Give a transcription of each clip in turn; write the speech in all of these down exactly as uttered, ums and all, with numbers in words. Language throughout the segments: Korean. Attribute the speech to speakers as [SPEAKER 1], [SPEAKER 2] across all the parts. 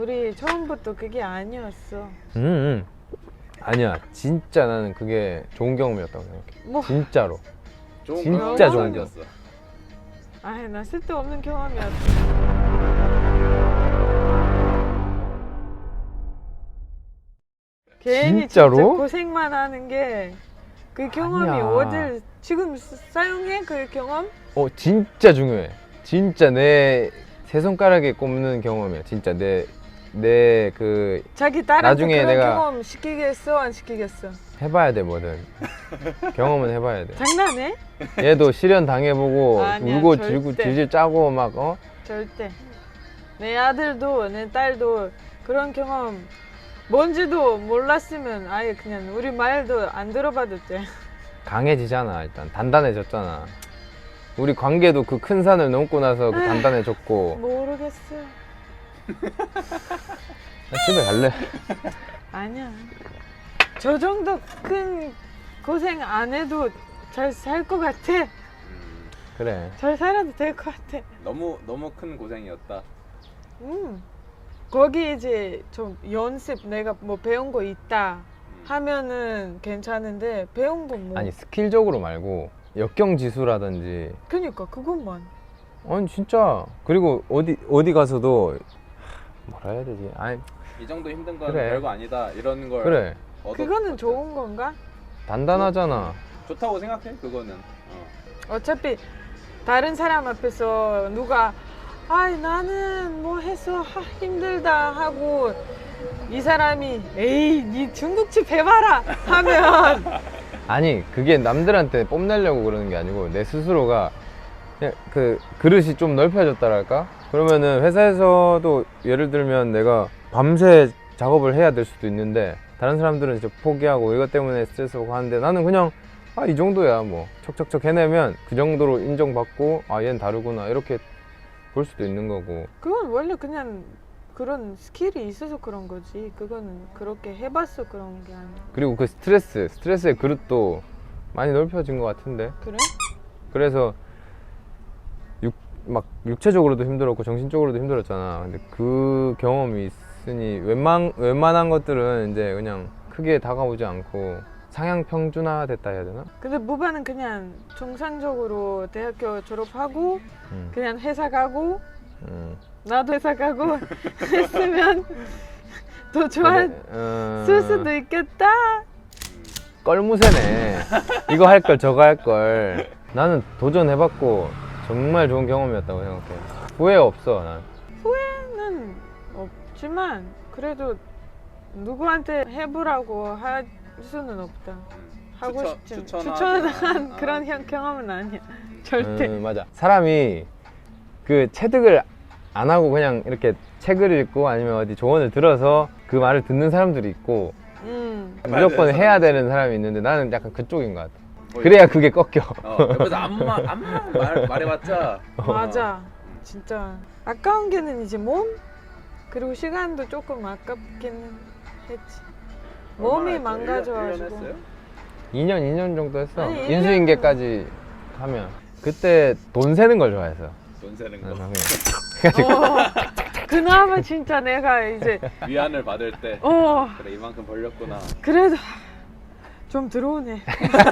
[SPEAKER 1] 우리 처음부터 그게 아니었어.
[SPEAKER 2] 음, 음. 아니야, 진짜 나는 그게 좋은 경험이었다고 생각해.
[SPEAKER 1] 뭐
[SPEAKER 2] 진짜로.
[SPEAKER 3] 좋은
[SPEAKER 2] 진짜 좋은
[SPEAKER 3] 경험이었어.
[SPEAKER 1] 아이 나 쓸데없는 경험이었어. 괜히
[SPEAKER 2] 진짜로?
[SPEAKER 1] 진짜 고생만 하는 게 그 경험이
[SPEAKER 2] 아니야.
[SPEAKER 1] 어딜 지금 쓰- 사용해 그 경험?
[SPEAKER 2] 어, 진짜 중요해. 진짜 내 세 손가락에 꼽는 경험이야. 진짜 내 내 그
[SPEAKER 1] 자기 딸한테
[SPEAKER 2] 나중에
[SPEAKER 1] 그런
[SPEAKER 2] 내가-
[SPEAKER 1] 경험 시키겠어 안 시키겠어?
[SPEAKER 2] 해봐야 돼 뭐든. 경험은 해봐야 돼.
[SPEAKER 1] 장난해?
[SPEAKER 2] 얘도 실현 당해보고
[SPEAKER 1] 아니야,
[SPEAKER 2] 울고
[SPEAKER 1] 절대.
[SPEAKER 2] 질고 질질 짜고 막 어?
[SPEAKER 1] 절대. 내 아들도 내 딸도 그런 경험 뭔지도 몰랐으면 아예 그냥 우리 말도 안 들어봐도 돼.
[SPEAKER 2] 강해지잖아. 일단 단단해졌잖아. 우리 관계도 그 큰 산을 넘고 나서 그 단단해졌고.
[SPEAKER 1] 모르겠어.
[SPEAKER 2] 나 집에 갈래.
[SPEAKER 1] 아니야. 저 정도 큰 고생 안 해도 잘 살 것 같아.
[SPEAKER 3] 음,
[SPEAKER 2] 그래.
[SPEAKER 1] 잘 살아도 될 것 같아.
[SPEAKER 3] 너무 너무 큰 고생이었다.
[SPEAKER 1] 음. 거기 이제 좀 연습 내가 뭐 배운 거 있다
[SPEAKER 3] 음.
[SPEAKER 1] 하면은 괜찮은데 배운 건 뭐.
[SPEAKER 2] 아니 스킬적으로 말고 역경지수라든지.
[SPEAKER 1] 그니까 그것만.
[SPEAKER 2] 아니 진짜. 그리고 어디 어디 가서도 뭐라 해야 되지? 아니
[SPEAKER 3] 이 정도 힘든 건
[SPEAKER 2] 그래.
[SPEAKER 3] 별거 아니다. 이런 걸
[SPEAKER 2] 그래.
[SPEAKER 3] 얻었-
[SPEAKER 1] 그거는
[SPEAKER 3] 얻었-
[SPEAKER 1] 좋은 건가?
[SPEAKER 2] 단단하잖아.
[SPEAKER 3] 좋다고 생각해. 그거는. 어.
[SPEAKER 1] 어차피 다른 사람 앞에서 누가 아이 나는 뭐 해서 하, 힘들다 하고 이 사람이 에이 니 중국집 해봐라 하면
[SPEAKER 2] 아니 그게 남들한테 뽐내려고 그러는 게 아니고 내 스스로가 그냥 그 그릇이 좀 넓혀졌다랄까? 그러면은 회사에서도 예를 들면 내가 밤새 작업을 해야 될 수도 있는데 다른 사람들은 이제 포기하고 이것 때문에 스트레스 받고 하는데 나는 그냥 아 이 정도야 뭐 척척척 해내면 그 정도로 인정받고 아 얘는 다르구나 이렇게 볼 수도 있는 거고.
[SPEAKER 1] 그건 원래 그냥 그런 스킬이 있어서 그런 거지. 그거는 그렇게 해봤어 그런 게 아니야.
[SPEAKER 2] 그리고 그 스트레스 스트레스의 그릇도 많이 넓혀진 것 같은데.
[SPEAKER 1] 그래?
[SPEAKER 2] 그래서 육, 막 육체적으로도 힘들었고 정신적으로도 힘들었잖아. 근데 그 경험이 있으니 웬만, 웬만한 것들은 이제 그냥 크게 다가오지 않고 상향 평준화 됐다 해야 되나?
[SPEAKER 1] 근데 무바는 그냥 정상적으로 대학교 졸업하고
[SPEAKER 2] 음,
[SPEAKER 1] 그냥 회사 가고
[SPEAKER 2] 음.
[SPEAKER 1] 나도 회사 가고 했으면 더 좋았을
[SPEAKER 2] 어,
[SPEAKER 1] 수도 있겠다.
[SPEAKER 2] 껄무새네. 이거 할 걸 저거 할 걸. 나는 도전해봤고 정말 좋은 경험이었다고 생각해. 후회 없어 난.
[SPEAKER 1] 후회는 없지만 그래도 누구한테 해보라고 할 수는 없다. 하고
[SPEAKER 3] 추천-
[SPEAKER 1] 싶지
[SPEAKER 3] 추천하지
[SPEAKER 1] 추천한
[SPEAKER 3] 않아.
[SPEAKER 1] 그런 형- 경험은 아니야. 절대.
[SPEAKER 2] 음, 맞아. 사람이 그 체득을 안 하고 그냥 이렇게 책을 읽고 아니면 어디 조언을 들어서 그 말을 듣는 사람들이 있고
[SPEAKER 1] 음.
[SPEAKER 2] 무조건
[SPEAKER 3] 맞아요.
[SPEAKER 2] 해야 되는 사람이 있는데 나는 약간 그쪽인 것 같아.
[SPEAKER 3] 뭐
[SPEAKER 2] 그래야 그게 꺾여.
[SPEAKER 3] 어, 옆에서 암만 암만 말 말해봤자.
[SPEAKER 1] 맞아. 진짜 아까운 게는 이제 몸 그리고 시간도 조금 아깝긴 했지. 몸이
[SPEAKER 3] 얼마나 했죠? 일 년- 일 년
[SPEAKER 1] 망가져가지고.
[SPEAKER 3] 했어요?
[SPEAKER 2] 이 년, 이 년 정도 했어.
[SPEAKER 1] 아니, 일 년
[SPEAKER 2] 인수인계까지 하면. 그때 돈 세는 걸 좋아해서.
[SPEAKER 3] 돈 세는 거.
[SPEAKER 2] 그래서 그냥
[SPEAKER 1] 어, 그나마 진짜 내가 이제
[SPEAKER 3] 위안을 받을 때.
[SPEAKER 1] 어
[SPEAKER 3] 그래 이만큼 벌렸구나.
[SPEAKER 1] 그래도 좀 들어오네.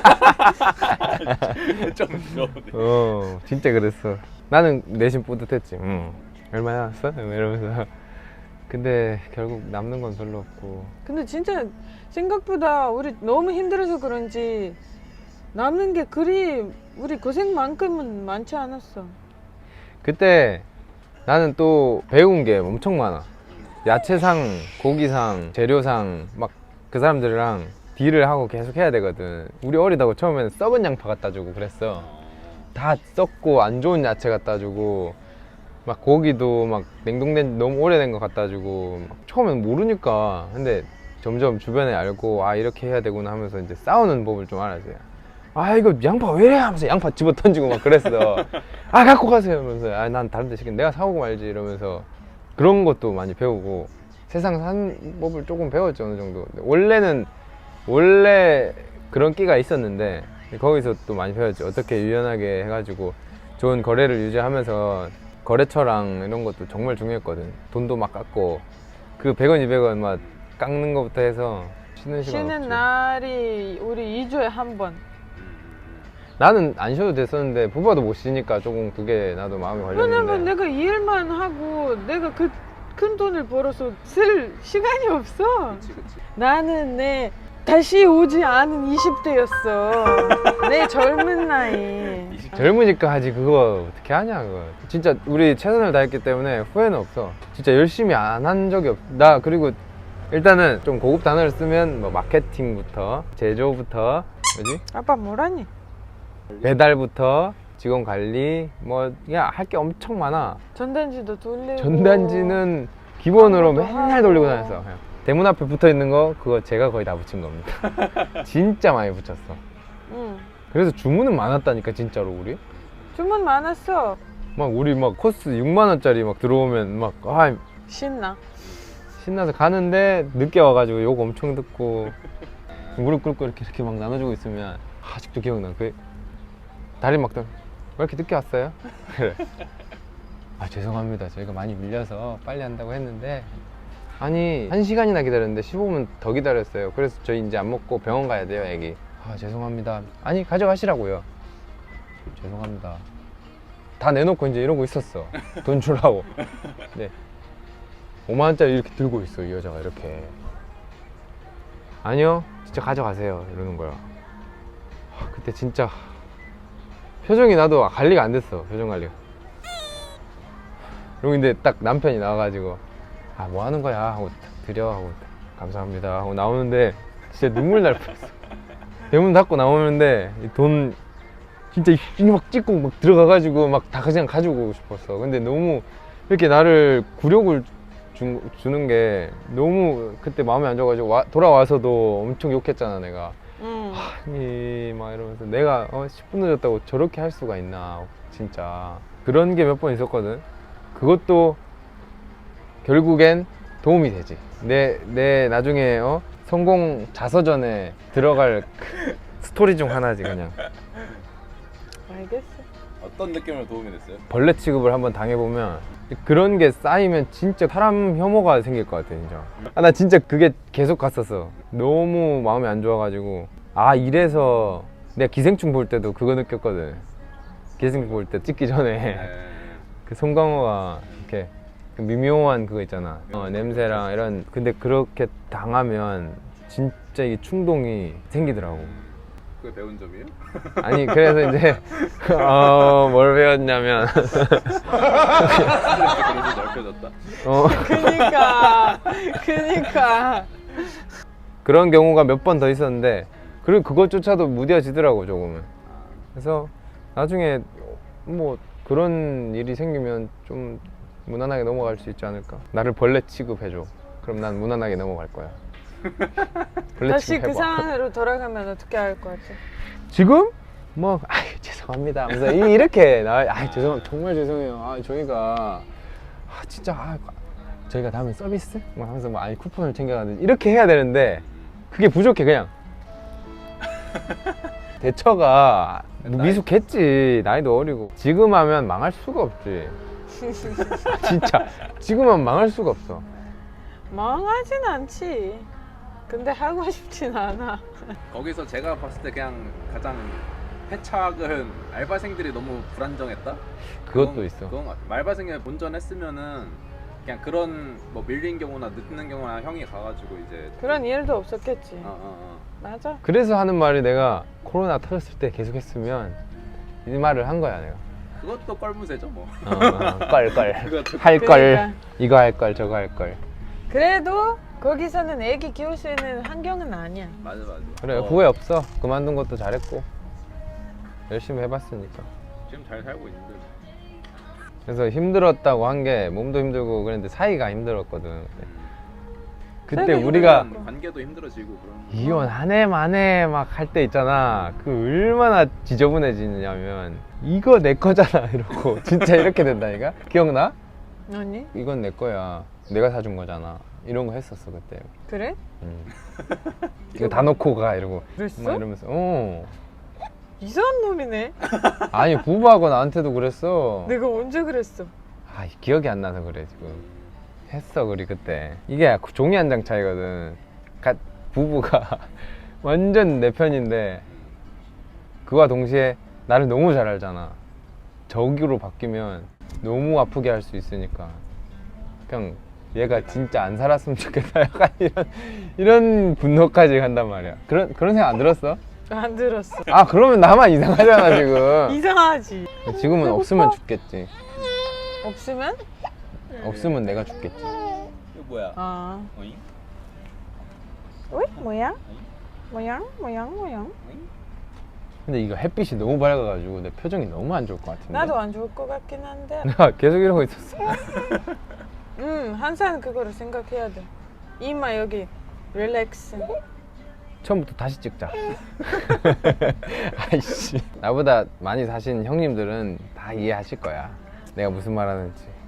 [SPEAKER 3] 좀 들어오네.
[SPEAKER 2] 어, 진짜 그랬어. 나는 내심 뿌듯했지. 응. 얼마 나왔어? 이러면서. 근데 결국 남는 건 별로 없고.
[SPEAKER 1] 근데 진짜 생각보다 우리 너무 힘들어서 그런지 남는 게 그리 우리 고생만큼은 많지 않았어.
[SPEAKER 2] 그때 나는 또 배운 게 엄청 많아. 야채상, 고기상, 재료상 막 그 사람들이랑 딜을 하고 계속 해야 되거든. 우리 어리다고 처음에는 썩은 양파 갖다 주고 그랬어. 다 썩고 안 좋은 야채 갖다 주고 막 고기도 막 냉동된 너무 오래된 거 갖다 주고 막 처음엔 모르니까. 근데 점점 주변에 알고 아 이렇게 해야 되구나 하면서 이제 싸우는 법을 좀 알았지. 아 이거 양파 왜 이래 하면서 양파 집어 던지고 막 그랬어. 아 갖고 가세요 이러면서 아 난 다른 데 시킨 내가 사오고 말지 이러면서 그런 것도 많이 배우고 세상 사는 법을 조금 배웠죠 어느 정도. 원래는 원래 그런 끼가 있었는데 거기서 또 많이 배웠죠. 어떻게 유연하게 해가지고 좋은 거래를 유지하면서 거래처랑 이런 것도 정말 중요했거든. 돈도 막 깎고 그 백 원, 이백 원 막 깎는 거부터 해서 쉬는 시간
[SPEAKER 1] 쉬는
[SPEAKER 2] 없지.
[SPEAKER 1] 날이 우리 이 주에 한 번.
[SPEAKER 2] 나는 안 쉬어도 됐었는데 부부도 못 쉬니까 조금 그게 나도 마음이
[SPEAKER 1] 왜냐면
[SPEAKER 2] 걸렸는데.
[SPEAKER 1] 내가 이 일만 하고 내가 그 큰 돈을 벌어서 쓸 시간이 없어.
[SPEAKER 3] 그치 그치.
[SPEAKER 1] 나는 내 다시 오지 않은 이십 대였어. 내 젊은 나이.
[SPEAKER 2] 젊으니까 하지 그거 어떻게 하냐 그거. 진짜 우리 최선을 다했기 때문에 후회는 없어. 진짜 열심히 안 한 적이 없어. 나 그리고 일단은 좀 고급 단어를 쓰면 뭐 마케팅부터 제조부터 뭐지?
[SPEAKER 1] 아빠 뭐라니?
[SPEAKER 2] 배달부터 직원 관리 뭐 그냥 할 게 엄청 많아.
[SPEAKER 1] 전단지도 돌리고.
[SPEAKER 2] 전단지는 기본으로
[SPEAKER 1] 광고도
[SPEAKER 2] 맨날
[SPEAKER 1] 하고.
[SPEAKER 2] 돌리고 다녔어. 그냥. 대문 앞에 붙어 있는 거 그거 제가 거의 다 붙인 겁니다. 진짜 많이 붙였어.
[SPEAKER 1] 응.
[SPEAKER 2] 그래서 주문은 많았다니까 진짜로 우리.
[SPEAKER 1] 주문 많았어.
[SPEAKER 2] 막 우리 막 코스 육만 원짜리 막 들어오면 막 아,
[SPEAKER 1] 신나.
[SPEAKER 2] 신나서 가는데 늦게 와가지고 욕 엄청 듣고 무릎 꿇고 이렇게 이렇게 막 나눠주고 있으면 아직도 기억나. 그 다리 막 왜 이렇게 늦게 왔어요? 그래. 아 죄송합니다. 저희가 많이 밀려서 빨리 한다고 했는데 아니 한 시간이나 기다렸는데 십오 분 더 기다렸어요. 그래서 저희 이제 안 먹고 병원 가야 돼요 애기. 아 죄송합니다. 아니 가져가시라고요. 죄송합니다. 다 내놓고 이제 이러고 있었어. 돈 주라고. 네. 오만 원짜리 이렇게 들고 있어 이 여자가 이렇게. 아니요 진짜 가져가세요 이러는 거야. 아, 그때 진짜 표정이 나도 관리가 안 됐어. 표정 관리가. 그리고 근데 딱 남편이 나와가지고 아 뭐 하는 거야 하고 딱 드려 하고 감사합니다 하고 나오는데 진짜 눈물 날 뻔했어. 대문 닫고 나오는데 이돈 진짜 이막 찍고 막 들어가가지고 막 다 그냥 가지고 오고 싶었어. 근데 너무 이렇게 나를 굴욕을 주, 주는 게 너무 그때 마음에 안 좋아가지고 와, 돌아와서도 엄청 욕했잖아 내가.
[SPEAKER 1] 응.
[SPEAKER 2] 아니 막 이러면서 내가 어, 십 분 늦었다고 저렇게 할 수가 있나 진짜. 그런 게 몇 번 있었거든. 그것도 결국엔 도움이 되지. 내, 내 나중에 어? 성공 자서전에 들어갈 그 스토리 중 하나지 그냥.
[SPEAKER 1] 알겠어.
[SPEAKER 3] 어떤 느낌으로 도움이 됐어요?
[SPEAKER 2] 벌레 취급을 한번 당해보면 그런 게 쌓이면 진짜 사람 혐오가 생길 것 같아 진짜. 아, 나 진짜 그게 계속 갔었어. 너무 마음이 안 좋아가지고 아 이래서 내가 기생충 볼 때도 그거 느꼈거든. 기생충 볼 때 찍기 전에
[SPEAKER 3] 네.
[SPEAKER 2] 그 송강호가 이렇게 그 미묘한 그거 있잖아. 어, 냄새랑 이런. 근데 그렇게 당하면 진짜 이 충동이 생기더라고.
[SPEAKER 3] 그게 배운 점이에요?
[SPEAKER 2] 아니 그래서 이제 어, 뭘 배웠냐면
[SPEAKER 3] 스트레스 그래서 넓혀졌다.
[SPEAKER 2] 어,
[SPEAKER 1] 그니까. 그니까.
[SPEAKER 2] 그런 경우가 몇 번 더 있었는데 그리고 그것조차도 무뎌지더라고 조금은. 그래서 나중에 뭐 그런 일이 생기면 좀 무난하게 넘어갈 수 있지 않을까. 나를 벌레 취급해줘. 그럼 난 무난하게 넘어갈 거야. 벌레
[SPEAKER 1] 다시 그
[SPEAKER 2] 취급해봐.
[SPEAKER 1] 상황으로 돌아가면 어떻게 할 것 같아?
[SPEAKER 2] 지금? 뭐 아유 죄송합니다 하면서 이- 이렇게 나 아 죄송 정말 죄송해요. 아 저희가 아 진짜 아, 저희가 다음에 서비스 뭐 하면서 뭐 아니 쿠폰을 챙겨가든지 이렇게 해야 되는데 그게 부족해 그냥. 대처가 미숙했지. 나이도 어리고. 지금 하면 망할 수가 없지. 진짜 지금 하면 망할 수가 없어.
[SPEAKER 1] 망하진 않지. 근데 하고 싶진 않아.
[SPEAKER 3] 거기서 제가 봤을 때 그냥 가장 패착은 알바생들이 너무 불안정했다?
[SPEAKER 2] 그것도
[SPEAKER 3] 그건-
[SPEAKER 2] 있어.
[SPEAKER 3] 그건 것 같아. 알바생이 본전했으면은 그냥 그런 뭐 밀린 경우나 늦는 경우나 형이 가가지고 이제
[SPEAKER 1] 그런 일도 없었겠지.
[SPEAKER 3] 어, 어, 어.
[SPEAKER 1] 맞아.
[SPEAKER 2] 그래서 하는 말이 내가 코로나 터졌을 때 계속 했으면 이 말을 한 거야 내가.
[SPEAKER 3] 그것도 껄무새죠 뭐.
[SPEAKER 2] 어, 어, 껄껄
[SPEAKER 3] 그것도
[SPEAKER 2] 할 걸
[SPEAKER 1] 그러니까.
[SPEAKER 2] 이거 할 걸 저거 할 걸.
[SPEAKER 1] 그래도 거기서는 애기 키울 수 있는 환경은 아니야.
[SPEAKER 3] 맞아 맞아.
[SPEAKER 2] 그래
[SPEAKER 3] 어,
[SPEAKER 2] 후회 없어. 그만둔 것도 잘했고 열심히 해봤으니까.
[SPEAKER 3] 지금 잘 살고 있는데.
[SPEAKER 2] 그래서 힘들었다고 한 게 몸도 힘들고 그랬는데 사이가 힘들었거든.
[SPEAKER 3] 음.
[SPEAKER 2] 그때
[SPEAKER 1] 사이가
[SPEAKER 2] 우리가
[SPEAKER 1] 힘들었고.
[SPEAKER 3] 관계도 힘들어지고 그런.
[SPEAKER 2] 이혼 한 해 만에 막 할 때 있잖아. 그 얼마나 지저분해지냐면 이거 내 거잖아 이러고 진짜 이렇게 된다니까. 기억나?
[SPEAKER 1] 아니?
[SPEAKER 2] 이건 내 거야. 내가 사준 거잖아. 이런 거 했었어 그때.
[SPEAKER 1] 그래?
[SPEAKER 2] 음. 이거 다 놓고 가 이러고
[SPEAKER 1] 그랬어?
[SPEAKER 2] 막 이러면서 어.
[SPEAKER 1] 이상한 놈이네.
[SPEAKER 2] 아니 부부하고 나한테도 그랬어.
[SPEAKER 1] 내가 언제 그랬어?
[SPEAKER 2] 아 기억이 안 나서 그래 지금. 했어. 우리 그때 이게 종이 한 장 차이거든. 가, 부부가 완전 내 편인데 그와 동시에 나를 너무 잘 알잖아. 저기로 바뀌면 너무 아프게 할 수 있으니까 그냥 얘가 진짜 안 살았으면 좋겠다. 약간 이런 이런 분노까지 간단 말이야. 그런 그런 생각 안 들었어?
[SPEAKER 1] 안 들었어.
[SPEAKER 2] 아 그러면 나만 이상하잖아 지금.
[SPEAKER 1] 이상하지.
[SPEAKER 2] 지금은 없으면 죽겠지.
[SPEAKER 1] 없으면?
[SPEAKER 2] 없으면 내가 죽겠지.
[SPEAKER 3] 이거 뭐야?
[SPEAKER 1] 아.
[SPEAKER 3] 어잉?
[SPEAKER 1] 어이? 뭐야? 모양? 모양? 모양?
[SPEAKER 2] 근데 이거 햇빛이 너무 밝아가지고 내 표정이 너무 안 좋을 것 같은데.
[SPEAKER 1] 나도 안 좋을 것 같긴 한데.
[SPEAKER 2] 나 계속 이러고 있었어.
[SPEAKER 1] 음, 항상 그거를 생각해야 돼. 이마 여기 릴렉스.
[SPEAKER 2] 처음부터 다시 찍자. 아이씨. 나보다 많이 사신 형님들은 다 이해하실 거야. 내가 무슨 말 하는지.